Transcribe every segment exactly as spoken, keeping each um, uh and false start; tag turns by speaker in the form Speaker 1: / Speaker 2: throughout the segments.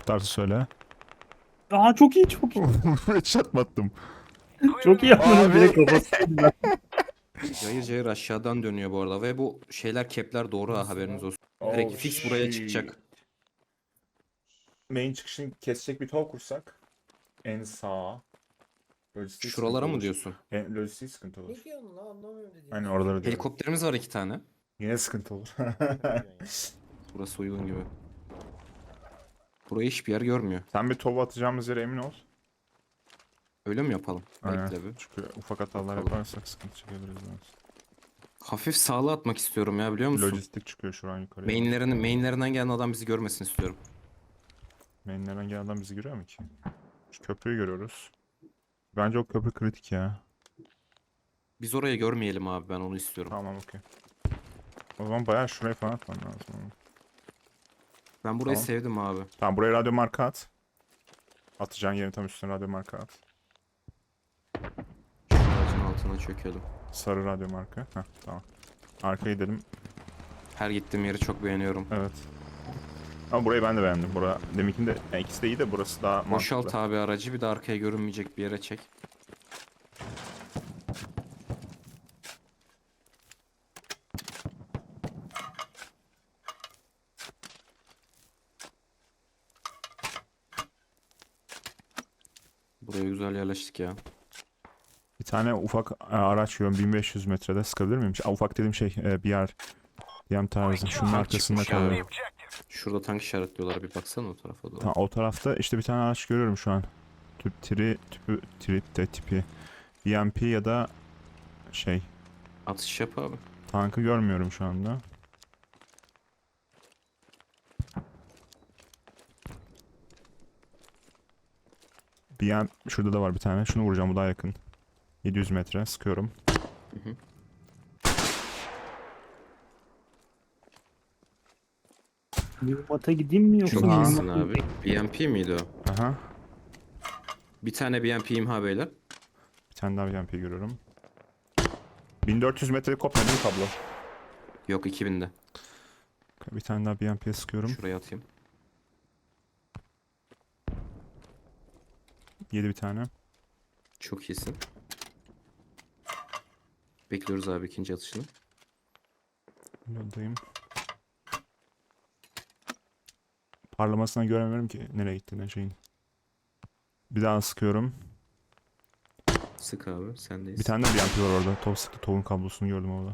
Speaker 1: Tutarsa söyle.
Speaker 2: Aa çok iyi çok iyi.
Speaker 1: Headshot mı attım?
Speaker 2: Çok iyi yapmadın
Speaker 1: Abi.
Speaker 2: direkt kafasına.
Speaker 3: Cayır cayır aşağıdan dönüyor bu arada ve bu şeyler kepler doğru ha, haberiniz olsun. Direkt
Speaker 1: Oh,
Speaker 3: fix buraya
Speaker 1: shit.
Speaker 3: çıkacak.
Speaker 1: Main çıkışını kesecek bir tol kursak. En sağa. Lojistik
Speaker 3: Şuralara
Speaker 1: sıkıntı
Speaker 3: mı
Speaker 1: olur.
Speaker 3: diyorsun?
Speaker 1: En, lojistik sıkıntı olur.
Speaker 4: Ne diyorsun lan anlamıyorum dediğini.
Speaker 1: Aynen oraları diyorum.
Speaker 3: Helikopterimiz var iki tane.
Speaker 1: Yine sıkıntı olur.
Speaker 3: Burası uygun gibi. Burayı hiçbir yer görmüyor.
Speaker 1: Sen bir tova atacağımız yere emin ol.
Speaker 3: Öyle mi yapalım?
Speaker 1: Aynen.
Speaker 3: Bekle bir.
Speaker 1: Çünkü ufak hatalar
Speaker 3: Bakalım.
Speaker 1: yaparsak sıkıntı çekebiliriz.
Speaker 3: Hafif sağlı atmak istiyorum ya, biliyor musun?
Speaker 1: Lojistik çıkıyor şu an yukarıya.
Speaker 3: Mainlerini, mainlerinden gelen adam bizi görmesin istiyorum.
Speaker 1: Mainlerden gelen adam bizi görüyor mu ki? Şu köprüyü görüyoruz. Bence o köprü kritik ya.
Speaker 3: Biz orayı görmeyelim abi, ben onu istiyorum.
Speaker 1: Tamam okey. O zaman bayağı şuraya falan atman lazım.
Speaker 3: Ben burayı
Speaker 1: Tamam.
Speaker 3: sevdim abi.
Speaker 1: Tamam buraya radyo marka at. Atacağın yerin tam üstüne radyo marka at.
Speaker 3: Şu ağacın altına çökelim.
Speaker 1: Sarı radyo marka. Heh tamam. Arkaya gidelim.
Speaker 3: Her gittiğim yeri çok beğeniyorum.
Speaker 1: Evet. Ama burayı ben de beğendim. Bura deminkinde yani ikisi de iyi de burası daha mantıklı.
Speaker 3: Boşalt abi aracı, bir de arkaya görünmeyecek bir yere çek. Buraya güzel yerleştik ya.
Speaker 1: Bir tane ufak e, araç görüyorum bin beş yüz metrede sıkabilir miyim? Aa, ufak dediğim şey e, bir yer. Diyem tarzı. Şunun arkasında
Speaker 3: çıkmış abi.
Speaker 1: kalıyor.
Speaker 3: Şurada tank işaretliyorlar, bir baksana o tarafa doğru.
Speaker 1: Ta, o tarafta işte bir tane araç görüyorum şu an. Tüp tiri, tüpü, trip de tipi. B M P ya da şey.
Speaker 3: Atış yap abi.
Speaker 1: Tankı görmüyorum şu anda. B M şurada da var bir tane. Şunu vuracağım, bu daha yakın. yedi yüz metre sıkıyorum.
Speaker 3: Hı hı.
Speaker 2: Mühimata gideyim mi yoksa
Speaker 3: Çok
Speaker 1: Aha.
Speaker 3: iyisin
Speaker 2: mühimmat-
Speaker 3: abi. B M P miydi o?
Speaker 1: Aha.
Speaker 3: Bir tane B M P imha beyler.
Speaker 1: Bir tane daha B M P görüyorum. bin dört yüz metre kopmadı değil mi kablo?
Speaker 3: Yok, iki binde.
Speaker 1: Bir tane daha B M P'ye sıkıyorum.
Speaker 3: Şuraya atayım.
Speaker 1: yedi bir tane.
Speaker 3: Çok iyisin. Bekliyoruz abi ikinci atışını.
Speaker 1: Yoldayım. Parlamasına göremiyorum ki nereye gittiğini şeyin. Bir daha sıkıyorum.
Speaker 3: Sık abi, sendeyiz.
Speaker 1: Bir tane de B M P var orada. Top sıktı. Topun kablosunu gördüm orada.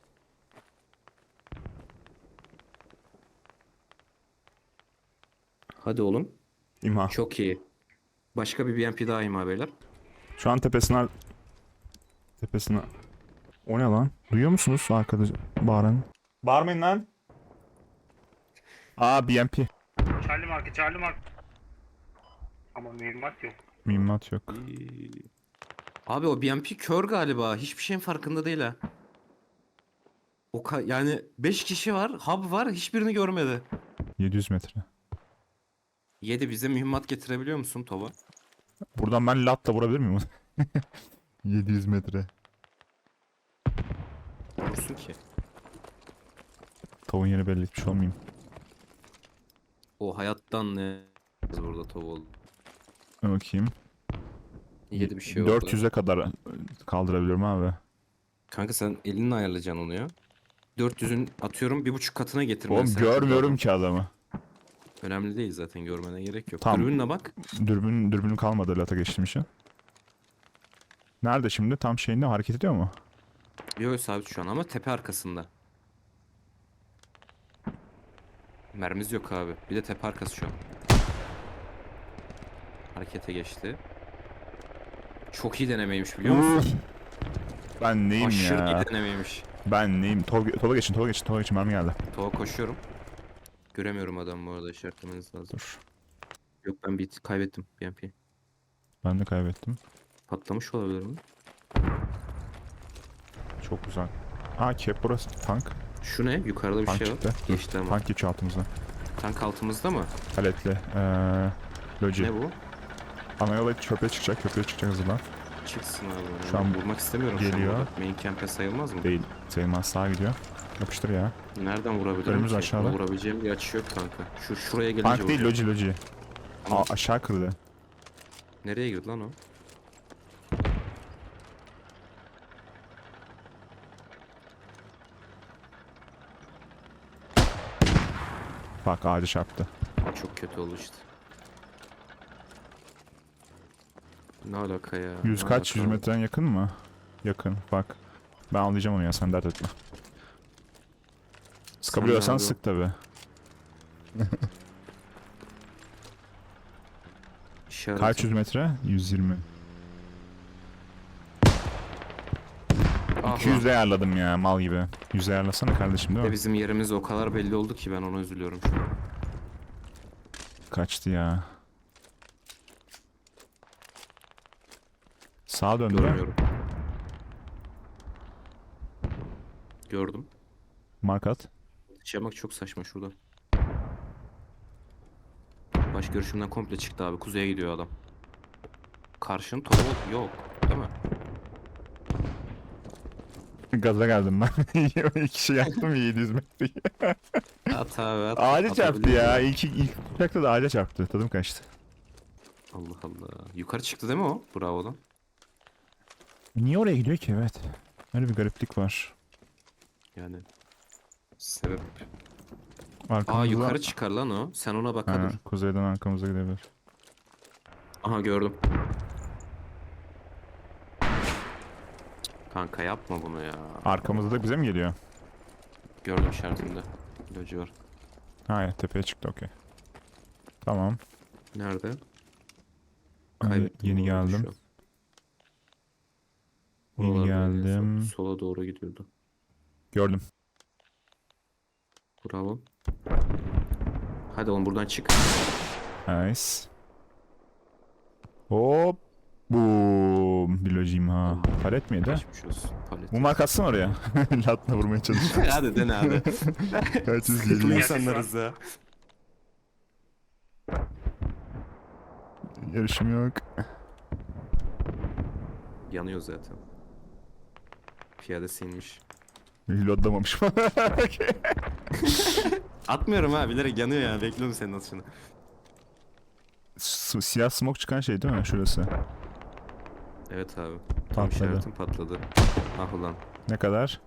Speaker 3: Hadi oğlum.
Speaker 1: İmha.
Speaker 3: Çok iyi. Başka bir B M P daha imha beyler.
Speaker 1: Şu an tepesine... Tepesine... O ne lan? Duyuyor musunuz arkada bağıran? Bağırmayın lan. Aa B M P.
Speaker 2: Charlie Mark, Charlie Mark. Ama mühimmat yok.
Speaker 1: Mühimmat yok.
Speaker 3: İyi. Abi o B M P kör galiba. Hiçbir şeyin farkında değil ha. O ka- yani beş kişi var, hub var, hiçbirini görmedi.
Speaker 1: yedi yüz metre.
Speaker 3: yedi, bize mühimmat getirebiliyor musun Tova?
Speaker 1: Buradan ben latla vurabilir miyim? yedi yüz metre.
Speaker 3: Vursun ki.
Speaker 1: Tavuğun yeri belli etmiş olmayayım.
Speaker 3: O hayattan ne burada Tova oldu.
Speaker 1: Bakayım.
Speaker 3: yedi bir şey oldu.
Speaker 1: dört yüze kadar kaldırabiliyorum abi.
Speaker 3: Kanka sen elinle ayarlayacaksın onu ya. dört yüzün atıyorum bir buçuk katına getirmen.
Speaker 1: Oğlum
Speaker 3: sen
Speaker 1: görmüyorum
Speaker 3: adam.
Speaker 1: ki adamı.
Speaker 3: Önemli değil zaten, görmene gerek yok.
Speaker 1: Tamam.
Speaker 3: Dürbünle bak.
Speaker 1: Dürbün, dürbünüm kalmadı lata geçtiğim için. Nerede şimdi? Tam şeyinde hareket ediyor mu?
Speaker 3: Yok sabit şu an ama tepe arkasında. Mermimiz yok abi. Bir de tepe arkası şu an. Harekete geçti. Çok iyi denemeymiş biliyor musun?
Speaker 1: Ben neyim
Speaker 3: Aşırı
Speaker 1: ya?
Speaker 3: iyi denemeymiş.
Speaker 1: Ben neyim? Tol, tola geçin, tola geçin, tola geçin. Mermi geldi.
Speaker 3: Tova koşuyorum. Göremiyorum adamı, bu arada işaretlemeniz lazım.
Speaker 1: Dur.
Speaker 3: Yok ben bir kaybettim B M P.
Speaker 1: Ben de kaybettim.
Speaker 3: Patlamış olabilir mi?
Speaker 1: Çok güzel. Aa cap burası. Tank.
Speaker 3: Şu ne? Yukarıda bir
Speaker 1: Tank
Speaker 3: şey var.
Speaker 1: çıktı. Dur.
Speaker 3: Geçti ama.
Speaker 1: Tank geçiyor altımızda.
Speaker 3: Tank altımızda mı?
Speaker 1: Paletli. Ee, loji.
Speaker 3: Ne bu?
Speaker 1: Ana yola köprüye çıkacak. Köprüye çıkacak hızlıdan.
Speaker 3: Çıksın abi.
Speaker 1: Şu an
Speaker 3: vurmak istemiyorum şu
Speaker 1: geliyor.
Speaker 3: an burada. Main camp'e sayılmaz mı?
Speaker 1: Değil. Sayılmaz. Sağa gidiyor. Yapıştır ya.
Speaker 3: Nereden vurabilirim
Speaker 1: Önümüz
Speaker 3: ki?
Speaker 1: aşağıda.
Speaker 3: Vurabileceğim bir açı yok kanka. Şu şuraya gelince
Speaker 1: Tank değil,
Speaker 3: vuracağım.
Speaker 1: loji loji. Aa, aşağı kırdı.
Speaker 3: Nereye girdi lan o?
Speaker 1: Bak ağacı çarptı.
Speaker 3: Çok kötü oldu işte. Ne alaka ya?
Speaker 1: Yüz
Speaker 3: ne
Speaker 1: kaç?
Speaker 3: alaka?
Speaker 1: Yüz metren yakın mı? Yakın. Bak. Ben anlayacağım onu ya, sen dert etme. Sıkabiliyorsan
Speaker 3: abi o.
Speaker 1: sık tabi.
Speaker 3: İşaretim.
Speaker 1: Kaç yüz metre? yüz yirmi.
Speaker 3: Ah
Speaker 1: iki yüz ayarladım ya mal gibi. yüz ayarlasana kardeşim değil
Speaker 3: lan.
Speaker 1: mi?
Speaker 3: Bizim yerimiz o kadar belli oldu ki ben ona üzülüyorum şu an.
Speaker 1: Kaçtı ya. Sağa döndü.
Speaker 3: Görmüyorum. Gördüm.
Speaker 1: Mark at.
Speaker 3: Yaşamak çok saçma şurada. Baş görüşümden komple çıktı abi. Kuzeye gidiyor adam. Karşın topu yok. Değil mi?
Speaker 1: Gaza geldim ben. İki kişi yaktım yedi yüz metreyi.
Speaker 3: At abi at.
Speaker 1: Ağaca çarptı
Speaker 3: Atabiliyor
Speaker 1: ya.
Speaker 3: muyum?
Speaker 1: İlk, ilk uçakta da ağaca çarptı. Tadım kaçtı.
Speaker 3: Allah Allah. Yukarı çıktı değil mi o? Bravo lan.
Speaker 1: Niye oraya gidiyor ki? Evet. Öyle bir gariplik var.
Speaker 3: Yani. Sebep.
Speaker 1: Arkamızda...
Speaker 3: Aa yukarı çıkar lan o. Sen ona bak
Speaker 1: Ha,
Speaker 3: dur.
Speaker 1: kuzeyden arkamıza gidebilir.
Speaker 3: Aha gördüm. Kanka yapma bunu ya.
Speaker 1: Arkamızda da bize mi geliyor?
Speaker 3: Gördüm işaretinde. Loji var.
Speaker 1: Ha ya, tepeye çıktı, okey. Tamam.
Speaker 3: Nerede?
Speaker 1: Hadi,
Speaker 3: Kaybettim
Speaker 1: yeni
Speaker 3: bu arada
Speaker 1: geldim.
Speaker 3: şu an.
Speaker 1: Yeni
Speaker 3: Buralardaydı en son.
Speaker 1: geldim.
Speaker 3: Sola doğru gidiyordu.
Speaker 1: Gördüm.
Speaker 3: Bravo. Hadi oğlum buradan çık.
Speaker 1: Nice. Hop. Boom. Bilojim ha. Palet miydi?
Speaker 3: Geçmiş olsun. Palet.
Speaker 1: Mumar katsın oraya. Latla vurmaya çalışıyor.
Speaker 3: Hadi dene abi.
Speaker 1: Kaç yüz
Speaker 3: Sıkıntılı
Speaker 1: geliyor.
Speaker 3: insanlarız ya.
Speaker 1: Yarışım yok.
Speaker 3: Yanıyor zaten. Piyadesi inmiş.
Speaker 1: Reloadlamamış.
Speaker 3: Atmıyorum ha bilerek yanıyor ya. Bekliyorum senin atışını.
Speaker 1: S- Siyah smoke çıkan şey değil mi? Şurası.
Speaker 3: Evet abi. Tam
Speaker 1: Patladı.
Speaker 3: işaretim patladı. Ah ulan.
Speaker 1: Ne kadar?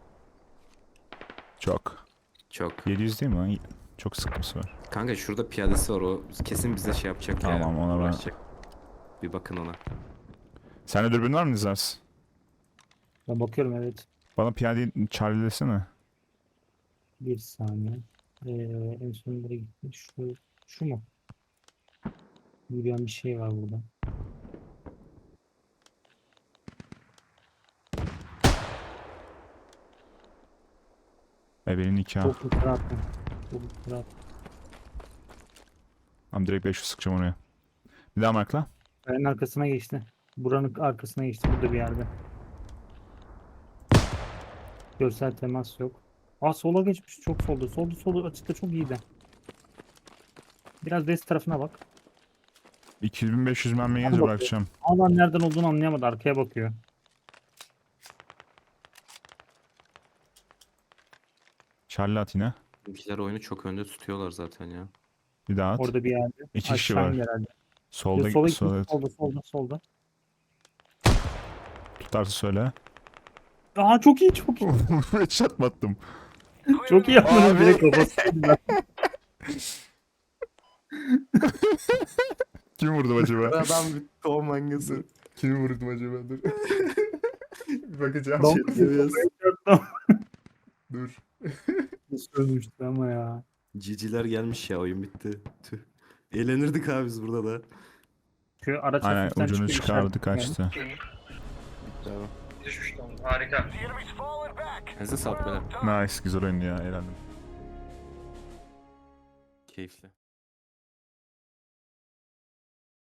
Speaker 1: Çok.
Speaker 3: Çok.
Speaker 1: yedi yüz değil mi lan? Çok sıkıntısı var.
Speaker 3: Kanka şurada piyadesi var o kesin bize şey yapacak ya.
Speaker 1: Tamam, ona ben-
Speaker 3: uğraşacak. Bir bakın ona.
Speaker 1: Sende dürbün var mı Nizars?
Speaker 4: Ben bakıyorum evet.
Speaker 1: Bana piyadeyi charlie'lesene.
Speaker 4: Bir saniye. Ee, en son nereye gitti? Şu, şu mu? Yürüyen bir şey var burada.
Speaker 1: Ebe'nin nikahı.
Speaker 4: Çok yukarı attım. Çok yukarı attım.
Speaker 1: Ama direkt beş yüz sıkacağım oraya. Bir daha markla.
Speaker 4: Kayanın arkasına geçti. Buranın arkasına geçti. Burada bir yerde. Görsel temas yok. Aa sola geçmiş. Çok solda. Solda solda açıkta çok iyiydi. Biraz west tarafına bak.
Speaker 1: iki bin beş yüz mermi gelince
Speaker 4: bakıyor.
Speaker 1: bırakacağım.
Speaker 4: Alan nereden olduğunu anlayamadı. Arkaya bakıyor.
Speaker 1: Charlie at yine.
Speaker 3: Bizimkiler oyunu çok önde tutuyorlar zaten ya.
Speaker 1: Bir daha at.
Speaker 4: Orada bir yerde.
Speaker 1: İki kişi
Speaker 4: Aşağı
Speaker 1: var.
Speaker 4: indi herhalde.
Speaker 1: Solda,
Speaker 4: Sola
Speaker 1: solda,
Speaker 4: gitmiş. Solda solda solda.
Speaker 1: tutarsa söyle.
Speaker 4: Aa çok iyi çok iyi.
Speaker 1: Headshot mı attım?
Speaker 4: Çok iyi yapmanız
Speaker 1: Abi.
Speaker 4: bile kafasıydı.
Speaker 1: Kim vurdu acaba?
Speaker 3: Adam bir tohum mangası.
Speaker 1: Kimi vurdum acaba? Dur. Bir bakacağım.
Speaker 4: Tamam.
Speaker 1: Dur.
Speaker 4: Sövmüştü ama ya.
Speaker 3: Ciciler gelmiş ya oyun bitti. Tüh. Eğlenirdik abi biz burada da.
Speaker 4: Şu araç
Speaker 1: Aynen,
Speaker 4: hafiften
Speaker 1: ucunu
Speaker 4: çıkıyor,
Speaker 1: çıkardı,
Speaker 4: işaret-
Speaker 1: kaçtı.
Speaker 3: Tamam.
Speaker 2: Düşmüş lan. Harika.
Speaker 3: Size sağlık beyler.
Speaker 1: Nice, güzel oyundu ya, eğlendim.
Speaker 3: Keyifli.